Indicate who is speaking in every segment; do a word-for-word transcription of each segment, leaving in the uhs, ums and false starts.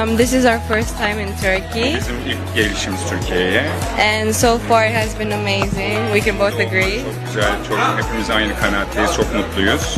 Speaker 1: Um, this is our first time in Turkey,
Speaker 2: Bizim ilk gelişimiz Türkiye'ye.
Speaker 1: and so far it has been amazing. We can both agree.
Speaker 2: Çok güzel, çok hepimiz aynı kanaatteyiz, çok mutluyuz.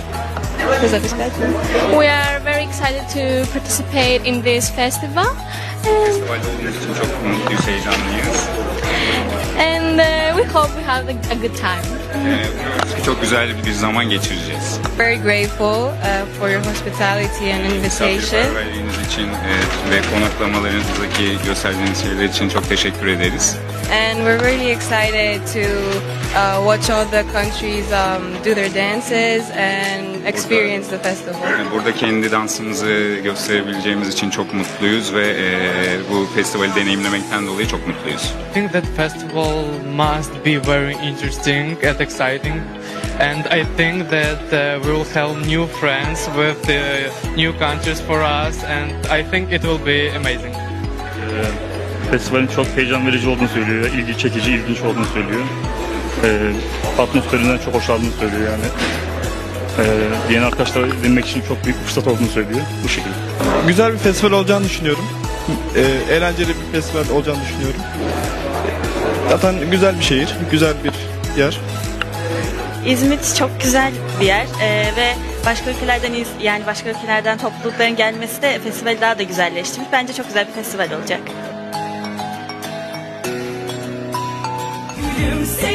Speaker 3: We are very excited to participate in this festival,
Speaker 2: Festivalde olduğumuz için çok mutluyuz, heyecanlıyız.
Speaker 3: and uh, we hope we have a, a good time.
Speaker 2: Ee, umuyoruz ki çok güzel bir zaman geçireceğiz.
Speaker 1: Very grateful uh, for your hospitality and invitation.
Speaker 2: Misafirperverliğiniz için e, ve konaklamalarınızdaki gösterdiğiniz şeyler için çok teşekkür ederiz.
Speaker 1: And we're really excited to uh, watch all the countries um, do their dances and experience the festival.
Speaker 2: Yani burada kendi dansımızı gösterebileceğimiz için çok mutluyuz ve e, bu festivali deneyimlemekten dolayı çok mutluyuz.
Speaker 4: I think that festival must be very interesting and exciting, and I think that uh, we will have new friends with the new countries for us, and I think it will be amazing.
Speaker 5: Ee, Festivalin çok heyecan verici olduğunu söylüyor, ilgi çekici, ilginç olduğunu söylüyor. Ee, atmosferinden çok hoşlandığını söylüyor yani. Ee, yeni arkadaşlar edinmek için çok büyük bir fırsat olduğunu söylüyor bu şekilde.
Speaker 6: Güzel bir festival olacağını düşünüyorum. Ee, eğlenceli bir festival olacağını düşünüyorum. Zaten güzel bir şehir, güzel bir yer.
Speaker 7: İzmit çok güzel bir yer ee, ve başka ülkelerden iz- yani başka ülkelerden toplulukların gelmesi de festivali daha da güzelleştirmiş. Bence çok güzel bir festival olacak.
Speaker 8: Gülümse